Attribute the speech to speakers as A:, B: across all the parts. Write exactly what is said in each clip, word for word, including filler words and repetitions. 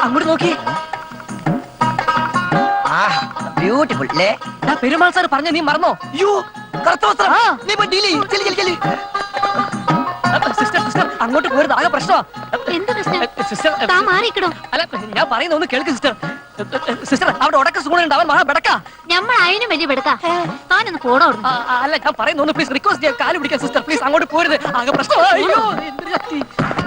A: അങ്ങോട്ട് നോക്കി.
B: ബ്യൂട്ടിഫുൾ അല്ലേ?
A: പെരുമാൾ സാർ പറഞ്ഞ നീ മറന്നോ?
B: യോ കറുത്ത വസ്ത്രം. നീ പോയി ഡീൽ ചെയ്യ്. ചെല്ലി ചെല്ലി ചെല്ലി.
A: സിസ്റ്റർ സിസ്റ്റർ അങ്ങോട്ട് പോരുത്, ആകെ പ്രശ്നമാ.
C: എന്താ പ്രശ്നം?
A: സിസ്റ്റർ
C: താൻ മാറിക്കണോ?
A: അല്ല ഞാൻ പറയുന്ന ഒന്ന് കേൾക്ക് സിസ്റ്റർ. സിസ്റ്റർ അവിടെ ഉടക്ക സുഗുണുണ്ട്, അവൻ മഹാ ബെടക്കാ.
C: ഞമ്മൾ അതിനും വലിയ പെടുക്കാം. താനൊന്ന് പോടോ.
A: ആ, ആ, അല്ല ഞാൻ പറയുന്ന ഒന്ന് പ്ലീസ് റിക്വസ്റ്റ് ചെയ്യാം, കാല് പിടിക്കാം സിസ്റ്റർ പ്ലീസ്, അങ്ങോട്ട് പോരുത്, ആകെ പ്രശ്നമാ. അയ്യോ എന്തൊരു ശക്തി.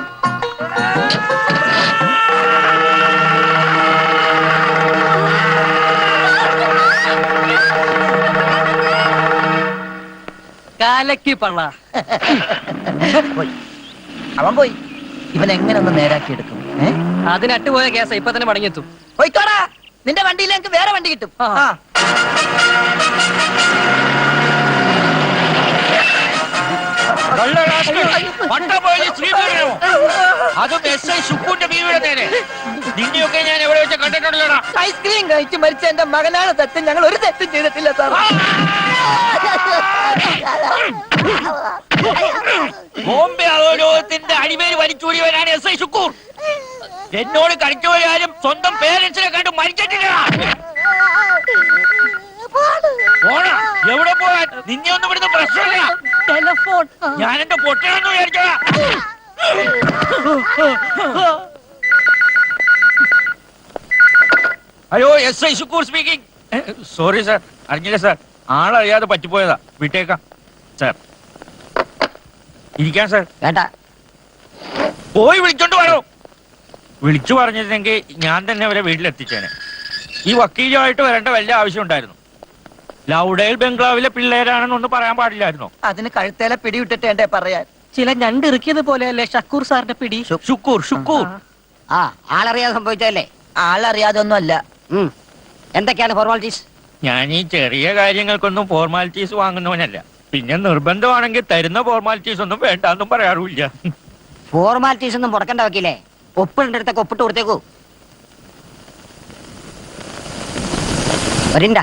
A: കാലക്കി പള്ള.
B: പോയി അവൻ പോയി. ഇവൻ എങ്ങനെ ഒന്ന് നേരാക്കി എടുക്കും?
A: അതിനട്ട് പോയ കേസ ഇപ്പൊ തന്നെ മടങ്ങിയെത്തും.
B: പോയിക്കോടാ, നിന്റെ വണ്ടിയിൽ എനിക്ക് വേറെ വണ്ടി കിട്ടും.
D: അതും എസ് ഐ ശുക്കൂന്റെ ബീവിയുടെ നേരെ. നിന്നെയൊക്കെ ഞാൻ എവിടെ വെച്ച് കണ്ടിട്ടുണ്ടല്ലോടാ.
B: ഐസ്ക്രീം കഴിച്ച് മരിച്ച എന്റെ മകനാണ് സത്യം. ഞങ്ങൾ ഒരു തെറ്റും ചെയ്തിട്ടില്ല സാർ.
D: ബോംബെ അധോലോകത്തിന്റെ അടിമേൽ വലിച്ചൂടിയവനാണ് എസ് ഐ ശുക്കൂർ. എന്നോട് കളിച്ചവരാരും സ്വന്തം പേരൻസിനെ കണ്ട് മരിച്ചിട്ടില്ല. പോണ എവിടെ പോകാൻ? നിന്നെ ഒന്നും ഇവിടുന്ന് പ്രശ്നമില്ല.
A: ടെലഫോൺ
D: ഞാൻ എന്റെ പൊട്ടണെന്ന് വിചാരിച്ചോളാ. Hello, S I Shukkur speaking. Sorry sir, അറിഞ്ഞില്ല സാർ, ആളറിയാതെ പറ്റിപ്പോയതാ. വിട്ടേക്കാം സാർ. ഇരിക്കാൻ സാർ.
B: വേണ്ട,
D: പോയി വിളിച്ചോണ്ട് വരോ. വിളിച്ചു പറഞ്ഞിരുന്നെങ്കിൽ ഞാൻ തന്നെ അവരെ വീട്ടിലെത്തിച്ചേനെ. ഈ വക്കീലുമായിട്ട് വരേണ്ട വല്ല ആവശ്യം ഉണ്ടായിരുന്നു. ലൗഡേൽ ബംഗ്ലാവിലെ പിള്ളേരാണെന്നൊന്നും പറയാൻ പാടില്ലായിരുന്നോ?
B: അതിന് കഴുത്തേലെ പിടിവിട്ടിട്ട് എന്റെ പറയാൻ.
A: ചില ഞണ്ടിറുക്കിയത് പോലെയല്ലേ ഷക്കൂർ സാറിന്റെ പിടി.
D: ശുക്കൂർ ശുക്കൂർ
E: ആ ആളറിയാതെ സംഭവിച്ചതല്ലേ?
B: ആളറിയാതെ ഒന്നും അല്ല.
E: എന്തൊക്കെയാണ് ഫോർമാലിറ്റീസ്?
D: ഞാൻ ഈ ചെറിയ കാര്യങ്ങൾക്കൊന്നും ഫോർമാലിറ്റീസ് വാങ്ങുന്നവനല്ല. പിന്നെ നിർബന്ധമാണെങ്കിൽ തരുന്ന ഫോർമാലിറ്റീസ് ഒന്നും വേണ്ടെന്നും പറയാറില്ല.
E: ഫോർമാലിറ്റീസ് ഒന്നും മുടക്കണ്ട വക്കീലേ. ഒപ്പിടേണ്ട അടുത്തൊക്കെ ഒപ്പിട്ട് കൊടുത്തേക്കൂ. വരിണ്ട.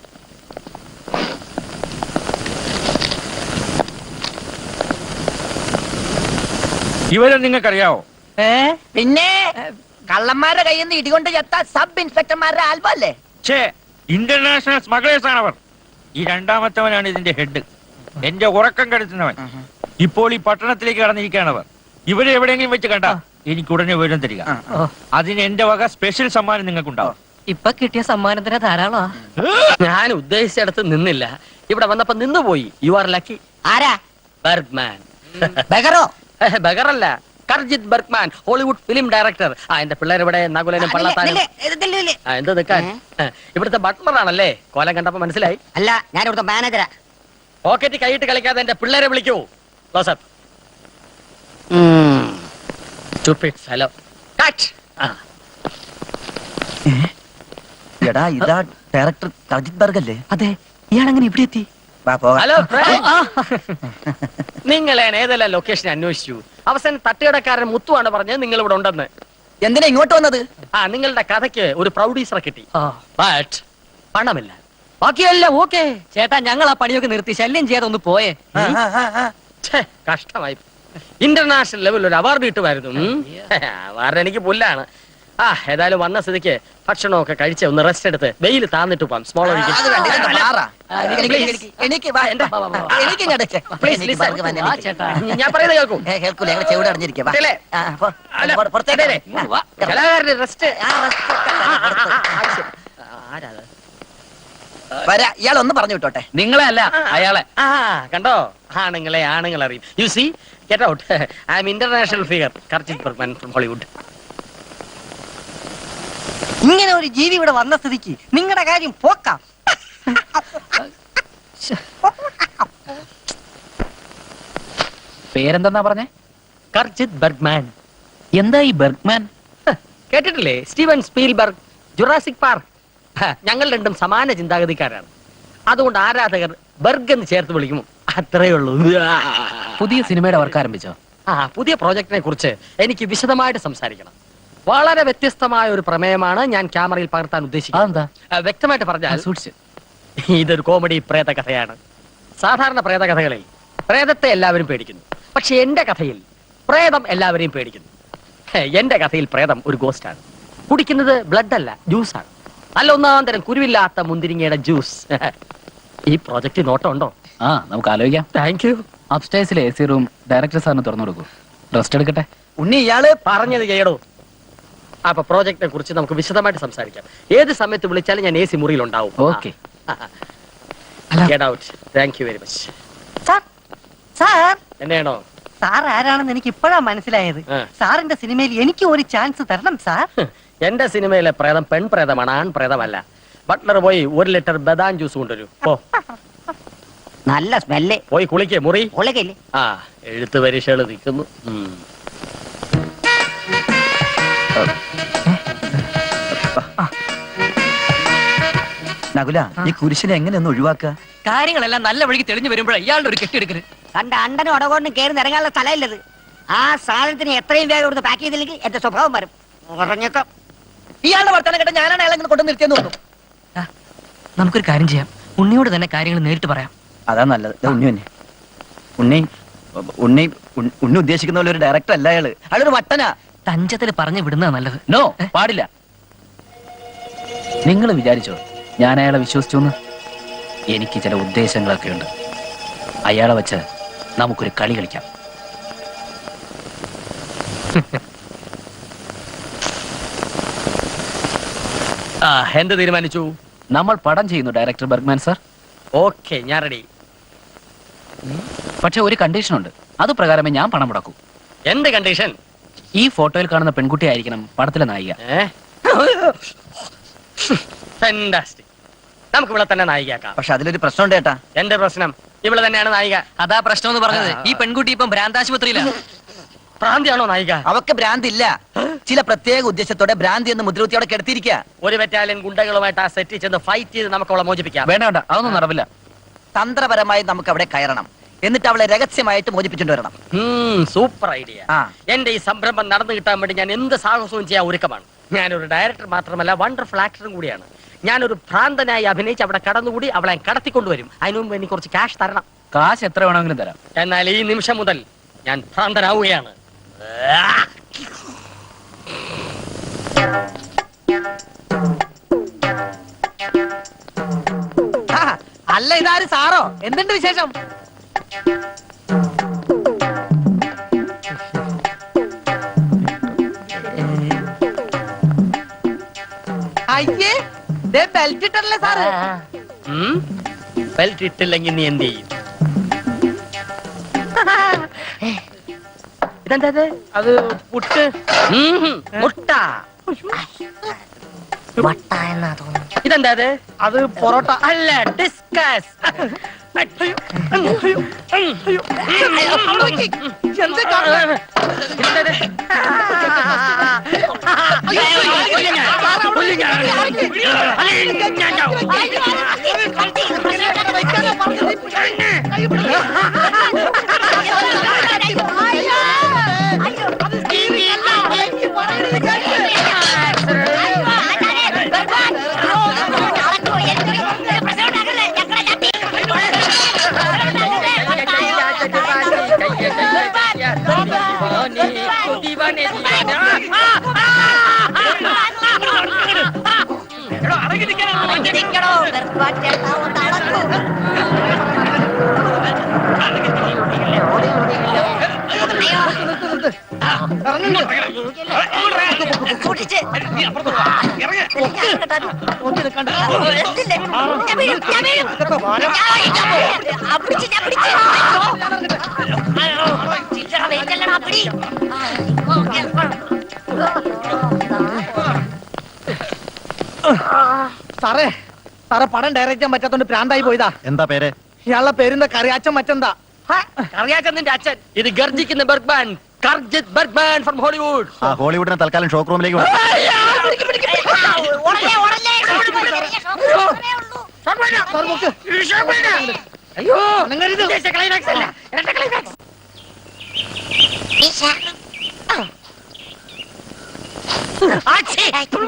D: ഇവരെ നിങ്ങൾക്കറിയാവോ?
B: ഏ പിന്നെ കള്ളന്മാരുടെ കയ്യിൽ നിന്ന് ഇടികൊണ്ട് ചത്ത സബ് ഇൻസ്പെക്ടർമാരുടെ ആൽബം അല്ലേ?
D: ഛേ, ഇന്റർനാഷണൽ സ്മഗ്ലേഴ്സ് ആണ് അവർ. ഈ രണ്ടാമത്തവനാണ് ഇതിന്റെ ഹെഡ്, എന്റെ ഉറക്കം കെടുത്തുന്നവൻ. ഇപ്പോൾ ഈ പട്ടണത്തിലേക്ക് കടന്നിരിക്കുകയാണവർ. ഇവരെ എവിടെയെങ്കിലും വെച്ച് കണ്ട എനിക്ക് ഉടനെ വിവരം തരിക. അതിന് എന്റെ വക സ്പെഷ്യൽ സമ്മാനം നിങ്ങൾക്കുണ്ടാവും.
A: ഇപ്പൊ കിട്ടിയ സമ്മാനത്തിന് ധാരാളമാ.
F: ഞാൻ ഉദ്ദേശിച്ചിടത്ത് നിന്നില്ല, ഇവിടെ വന്നപ്പോ നിന്നുപോയി. You are lucky.
E: ആരാ?
F: ബർഗ്മാൻ.
E: ബഗറോ?
F: ബഗറല്ല, Karjith Bergman, Hollywood film director. ആ എന്റെ പിള്ളേരിവിടെ നകുലനും പള്ളത്താനും. എന്ത് നിൽക്കാൻ? ഇവിടുത്തെ ബട്ട്ലർ ആണല്ലേ? കോലം കണ്ടപ്പോ മനസ്സിലായി.
E: അല്ല, ഞാൻ ഇവിടുത്തെ മാനേജരാ.
F: പോക്കറ്റ് കൈയിട്ട് കളിക്കാതെ എന്റെ പിള്ളേരെ വിളിക്കൂ. ക്ലോസപ്പ്. Stupid fellow. Cut.
B: എടാ, ഇതാ ഡയറക്ടർ കർജിത് ബർഗ് അല്ലേ?
A: അതെ, ഇയാളെങ്ങനെ ഇവിടെ എത്തി?
F: ഹലോ, നിങ്ങളാണ് ഏതെല്ലാം ലൊക്കേഷൻ അന്വേഷിച്ചു. അവസാനം തട്ടുകടക്കാരൻ മുത്തുവാണ് പറഞ്ഞത് നിങ്ങൾ ഇവിടെ ഉണ്ടെന്ന്.
B: എന്തിനാ ഇങ്ങോട്ട് വന്നത്?
F: ആ, നിങ്ങളുടെ കഥയ്ക്ക് ഒരു പ്രൗഡീസറെ കിട്ടി. ബട്ട് പണമില്ല. ബാക്കിയെല്ലാം ഓക്കെ.
A: ചേട്ടാ, ഞങ്ങൾ ആ പണിയൊക്കെ നിർത്തി ശല്യം ചെയ്യാതെ ഒന്ന് പോയേ.
F: കഷ്ടമായി. ഇന്റർനാഷണൽ ലെവലിൽ ഒരു അവാർഡ് കിട്ടുമായിരുന്നു. അവാർഡ് എനിക്ക് പുല്ലാണ്. ആ, ഏതായാലും വന്ന സ്ഥിതിക്ക് ഭക്ഷണമൊക്കെ കഴിച്ച് ഒന്ന് റെസ്റ്റ് എടുത്ത് വെയിൽ താന്നിട്ട് പോവാം. സ്മോൾ ഞാൻ പറയുന്നത് കേൾക്കും. കലാകാരന്റെ റെസ്റ്റ്.
B: ഇയാളൊന്ന് പറഞ്ഞു വിട്ടോട്ടെ.
F: നിങ്ങളെ അല്ല, അയാളെ. ആ, കണ്ടോ, ആണുങ്ങളെ ആണുങ്ങൾ അറിയും. You see, get out. I am international figure, Karjith Bergman from Hollywood.
E: ഇങ്ങനെ ഒരു ജീവി ഇവിടെ വന്ന സ്ഥിതിക്ക് നിങ്ങളുടെ കാര്യം പോക്കാം.
A: പേരെന്താ പറഞ്ഞേ?
F: കർജിത് ബർഗ്മാൻ.
A: എന്താ ഈ ബർഗ്മാൻ?
F: കേട്ടിട്ടില്ലേ? Steven Spielberg, Jurassic Park. ഞങ്ങൾ രണ്ടും സമാന ചിന്താഗതിക്കാരാണ്. അതുകൊണ്ട് ആരാധകർ ബർഗ് എന്ന് ചേർത്ത് വിളിക്കും. അത്രേ ഉള്ളൂ.
A: പുതിയ സിനിമയുടെ വർക്ക് ആരംഭിച്ചോ?
F: ആ, പുതിയ പ്രോജക്റ്റിനെ കുറിച്ച് എനിക്ക് വിശദമായിട്ട് സംസാരിക്കണം. വളരെ വ്യത്യസ്തമായ ഒരു പ്രമേയമാണ് ഞാൻ ക്യാമറയിൽ പകർത്താൻ ഉദ്ദേശിക്കുന്നത്. വ്യക്തമായിട്ട് പറഞ്ഞാൽ ഇതൊരു കോമഡി പ്രേത കഥയാണ്. സാധാരണ പ്രേത കഥകളിൽ പ്രേതത്തെ എല്ലാവരും പേടിക്കുന്നു. പക്ഷെ എന്റെ കഥയിൽ പ്രേതം എല്ലാവരെയും പേടിക്കുന്നു. എന്റെ കഥയിൽ പ്രേതം ഒരു ഗോസ്റ്റാണ്. കുടിക്കുന്നത് ബ്ലഡ് അല്ല ജ്യൂസാണ്. അല്ല ഒന്നാം തരം കുരുവില്ലാത്ത മുന്തിരിങ്ങയുടെ ജ്യൂസ്. ഈ പ്രോജക്റ്റ് നോട്ടം ഉണ്ടോ?
A: ആ നമുക്ക് ആലോചിക്കാം.
F: Thank you.
A: അപ്സ്റ്റേഴ്സിലെ എ സി റൂം ഡയറക്ടർ സാറിന് തുറന്നു കൊടുക്കൂ. റെസ്റ്റ് എടുക്കട്ടെ.
F: ഉണ്ണി ഇയാള് പറഞ്ഞത് ചെയ്യടോ. അപ്പൊ പ്രോജക്റ്റിനെ കുറിച്ച് നമുക്ക് വിശദമായിട്ട് സംസാരിക്കാം. ഏത് സമയത്ത് വിളിച്ചാലും ഞാൻ എ സി മുറിയിലുണ്ടാവും.
A: Okay.
F: Get out. Thank you very much.
E: Sir sir
F: എന്നെയാണോ?
E: സാർ ആരാണെന്ന് എനിക്ക് ഇപ്പോഴാ മനസ്സിലായത്.
F: ആ.
E: സാറിന്റെ സിനിമയിൽ എനിക്ക് ഒരു ചാൻസ് തരണം സാർ.
F: എന്റെ സിനിമയിലെ പ്രേതം പെൺ പ്രേതമാണ്, ആൺ പ്രേതമല്ല. ബട്ട്ലർ പോയി ഒരു ലിറ്റർ ബദാം ജ്യൂസ് കൊണ്ടുവരൂ. ഓ
E: നല്ല സ്മെല്ല്.
F: പോയി കുളിക്കേ മുറി.
E: ഉളകില്ലേ?
F: ആ എഴുത്ത് പരീക്ഷകൾ നിൽക്കുന്നു. ഉം.
G: നകുല, ഈ കുരിശിനെ എങ്ങനെ ഒന്ന് ഒഴിവാക്കുക?
A: കാര്യങ്ങളെല്ലാം നല്ല വഴിക്ക് തെളിഞ്ഞു വരുമ്പോഴേ ഇയാളുടെ ഒരു കെട്ടിയെടുക്കല്.
E: കണ്ട അണ്ടനും ഉടകൊണ്ടും കയറി നിറങ്ങാനുള്ള സ്ഥലമില്ലത്. ആ സാധനത്തിന് എത്രയും വേഗം കൊടുത്ത് പാക്ക് ചെയ്തില്ലെങ്കിൽ എന്റെ സ്വഭാവം വരും. പറഞ്ഞേക്കാം.
B: ഇയാളുടെ വർത്തമാനം കേട്ട ഞാനാണ് അയാളെ ഇങ്ങനെ കൊണ്ടു നിർത്തിയെന്ന് തോന്നുന്നു.
A: നമുക്കൊരു കാര്യം ചെയ്യാം. ഉണ്ണിയോട് തന്നെ കാര്യങ്ങൾ നേരിട്ട് പറയാം.
G: അതാ നല്ലത്. ദേ ഉണ്ണി തന്നെ. ഉണ്ണി ഉണ്ണി ഉണ്ണി- ഉണ്ണി ഉദ്ദേശിക്കുന്ന പോലെ ഒരു ഡയറക്ടർ അല്ല അയാള്. അയാളൊരു വട്ടനാ.
A: തഞ്ചത്തിൽ പറഞ്ഞു വിടുന്നതാ നല്ലത്.
H: നോ, പാടില്ല. നിങ്ങൾ വിചാരിച്ചോ ഞാൻ അയാളെ വിശ്വസിച്ചു എന്ന്? എനിക്ക് ചില ഉദ്ദേശങ്ങളൊക്കെ ഉണ്ട്. അയാളെ വെച്ച് നമുക്കൊരു കളി കളിക്കാം.
F: ആ എന്ത് തീരുമാനിച്ചു?
H: നമ്മൾ പടം ചെയ്യുന്നു ഡയറക്ടർ ബർഗ്മാൻ സർ.
F: ഓക്കെ, ഞാൻ റെഡി.
H: പക്ഷെ ഒരു കണ്ടീഷൻ ഉണ്ട്. അത് പ്രകാരമേ ഞാൻ പണം മുടക്കൂ.
F: എന്ത് കണ്ടീഷൻ?
H: ഈ ഫോട്ടോയിൽ കാണുന്ന പെൺകുട്ടി ആയിരിക്കണം പടത്തിലെ നായിക.
F: ഫാന്റാസ്റ്റിക്. നമുക്ക് ഇവിടെ തന്നെ നായികയാക്കാം.
G: പക്ഷെ അതിലൊരു പ്രശ്നമുണ്ട് ചേട്ടാ.
F: എന്റെ പ്രശ്നം ഇവിടെ തന്നെയാണ് നായിക.
A: അതാ പ്രശ്നം എന്ന് പറഞ്ഞത്. ഈ പെൺകുട്ടി ഇപ്പം ഭ്രാന്താശുപത്രിയിലാണ്.
F: ഭ്രാന്തിയാണോ നായിക?
G: അവക്ക് ഭ്രാന്തി ഇല്ല. ചില പ്രത്യേക ഉദ്ദേശത്തോടെ ഭ്രാന്തി എന്ന് മുദ്രകുത്തിയോടെ കിടത്തിയിരിക്കുക.
F: ഒരു ബറ്റാലിയൻ ഗുണ്ടകളുമായിട്ട് ആ സെറ്റിൽ ചെന്ന് ഫൈറ്റ് ചെയ്ത് നമുക്ക് അവളെ മോചിപ്പിക്കാം.
H: വേണ്ട വേണ്ട, അതൊന്നും നടവില്ല.
G: തന്ത്രപരമായി നമുക്ക് അവിടെ കയറണം. എന്നിട്ട് അവളെ രഹസ്യമായിട്ട് മോചിപ്പിച്ചുകൊണ്ട് വരണം.
F: Super idea.
G: ആ.
F: എന്റെ ഈ സംരംഭം നടന്നു കിട്ടാൻ വേണ്ടി ഞാൻ എന്ത് സാഹസവും ചെയ്യാൻ ഒരുക്കമാണ്. ഞാനൊരു ഡയറക്ടർ മാത്രമല്ല, വണ്ടർഫുൾ ആക്ടറും കൂടിയാണ്. ഞാനൊരു ഭ്രാന്തനായി അഭിനയിച്ച് അവിടെ കടന്നുകൂടി അവളെ കടത്തിക്കൊണ്ടുവരും. അതിനു മുമ്പ് എനിക്ക് കുറച്ച് ക്യാഷ് തരണം.
H: കാശ് എത്ര വേണമെങ്കിലും തരാം.
F: എന്നാൽ ഈ നിമിഷം മുതൽ ഞാൻ ഭ്രാന്തനാവുകയാണ്.
B: ആ, അല്ല ഇതാര് സാറോ? എന്തുണ്ട് വിശേഷം? അയ്യേ, ബെൽറ്റ് ഇട്ടല്ലേ സാറ്?
F: ബെൽറ്റ് ഇട്ടില്ലെങ്കിൽ നീ എന്ത് ചെയ്യും? ഇതെന്താ ഇത്?
B: അത് പുട്ട്.
F: ഉം, മുട്ട.
E: വട്ട എന്നാ തോന്നുന്നു.
F: ഇതെന്താ ഇത്?
B: അത് പൊറോട്ട.
F: അല്ല, ഡിസ്കസ്.
B: എന്താ കാണുന്നെ? സാറേ സാറേ പടം ഡയറക്റ്റ് ചെയ്യാൻ പറ്റാത്തോണ്ട് പ്രാന്തായി പോയതാ.
G: എന്താ പേര്?
B: ഇയാളുടെ പേരെന്താ? കറിയാച്ചൻ മറ്റെന്താ?
F: അറിയാച്ചന്റെ അച്ഛൻ. ഇത് ഗർജിക്കുന്ന Bergman, Karjith Bergman from Hollywood.
G: ആ ഹോളിവുഡിനെ തൽക്കാലം ഷോക്ക് റൂമിലേക്ക് വിടാം.
B: സാർ നോക്ക്.
F: അയ്യോ,
B: അനങ്ങരുത്.
F: ഉദ്ദേശിച്ച climax അല്ല, ഇരട്ട climax. ആച്ചി.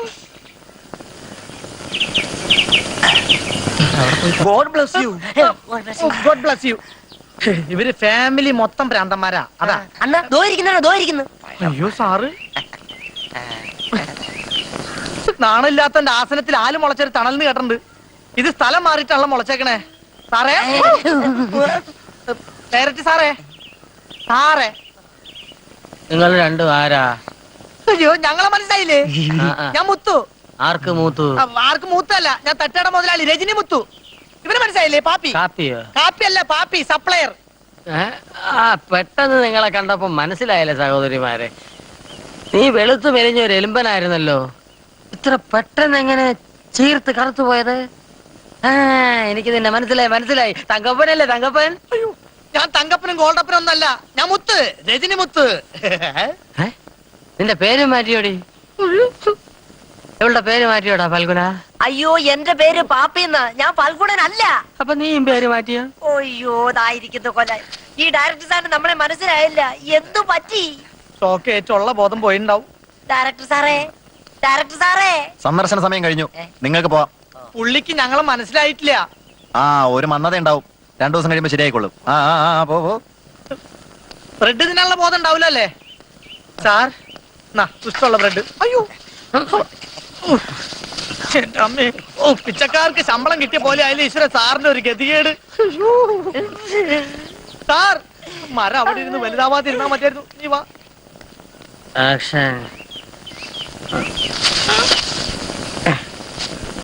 B: God bless you. God bless you. ഇവര് ഫാമിലി മൊത്തം ഭ്രാന്തന്മാരാ. അതാ.
E: അണ്ണാ ദോ ഇരിക്കുന്നു ദോ ഇരിക്കുന്നു.
B: അയ്യോ സാറ്. നാണില്ലാത്തന്റെ ആസനത്തിൽ ആല് മുളച്ചൊരു തണലിന് കേട്ടിട്ടുണ്ട്. ഇത് സ്ഥലം മാറിയിട്ടാണല്ലോ മുളച്ചേക്കണേ. സാറേ ഡയറക്റ്റ് സാറേ സാറേ
F: നിങ്ങൾ രണ്ടും ആരാ?
B: അയ്യോ ഞങ്ങളെ മനസ്സിലായില്ലേ?
F: ആ, ആ.
B: ഞാൻ മുത്തു.
F: ആർക്ക് മൂത്തു?
B: ആ, ആർക്ക് മൂത്തല്ല, ഞാൻ തട്ടയുടെ മുതലാളി രജനി മുത്തു. ഇവന് മനസ്സിലായില്ലേ? പാപ്പി.
F: കാപ്പിയോ?
B: കാപ്പി അല്ല പാപ്പി, സപ്ലയർ.
F: ഏ? ആ പെട്ടെന്ന് നിങ്ങളെ കണ്ടപ്പോ മനസ്സിലായില്ലേ സഹോദരിമാരെ, നീ വെളുത്തു മെലിഞ്ഞ ഒരു എലുമ്പനായിരുന്നല്ലോ. ഇത്ര പെട്ടെന്ന് എങ്ങനെ ചീർത്ത് കറുത്തു പോയത്? ആ എനിക്ക് നിന്നെ മനസ്സിലായി മനസ്സിലായി. തങ്കപ്പനല്ലേ തങ്കപ്പൻ?
B: അയ്യോ ഞാൻ തങ്കപ്പനും ഗോൾഡപ്പനും ഒന്നല്ല, ഞാൻ മുത്ത്, രജനി മുത്ത്.
F: ഏ? നിന്റെ പേര് മാറ്റിയോടി? ഇവളുടെ പേര് മാറ്റിയോടാ ഫൽഗുന?
E: അയ്യോ എന്റെ പേര് പാപ്പിന്ന, ഞാൻ ഫൽഗുണനല്ല.
F: അപ്പൊ നീയും പേര് മാറ്റിയോ?
E: അയ്യോ ഇതായിരിക്കുന്നു കൊല. ഈ ഡയറക്ടർ സാറിന് നമ്മളെ മനസ്സിലായില്ല. എന്തു പറ്റി?
B: ഷോക്ക് ഏറ്റുള്ള ബോധം പോയിണ്ടാവും.
E: ഡയറക്ടർ സാറേ, ഡയറക്ടർ സാറേ.
G: സന്ദർശന സമയം കഴിഞ്ഞു, നിങ്ങൾക്ക് പോവാം.
B: പുള്ളിക്ക് ഞങ്ങളെ മനസ്സിലായിട്ടില്ല.
G: ആ ഒരു മന്നത ഉണ്ടാവും, രണ്ടു ദിവസം കഴിയുമ്പോ ശരിയായിക്കൊള്ളും. ആ ആ ആ പോ പോ.
B: ബ്രെഡ് തിന്നാനുള്ള ബോധം ഉണ്ടാവില്ല അല്ലേ സാർ? ഇഷ്ടമുള്ള ബ്രെഡ്. അയ്യോ എന്റെ അമ്മേ, ഓ പിച്ചക്കാർക്ക് ശമ്പളം കിട്ടിയ പോലെ ആയാലും ഈശ്വര സാറിന്റെ ഒരു ഗതികേട്. സാർ മരം അവിടെ ഇരുന്ന് വലുതാവാതിരുന്നാ മതിയായിരുന്നു. നീ വാ.
F: ആക്ഷൻ.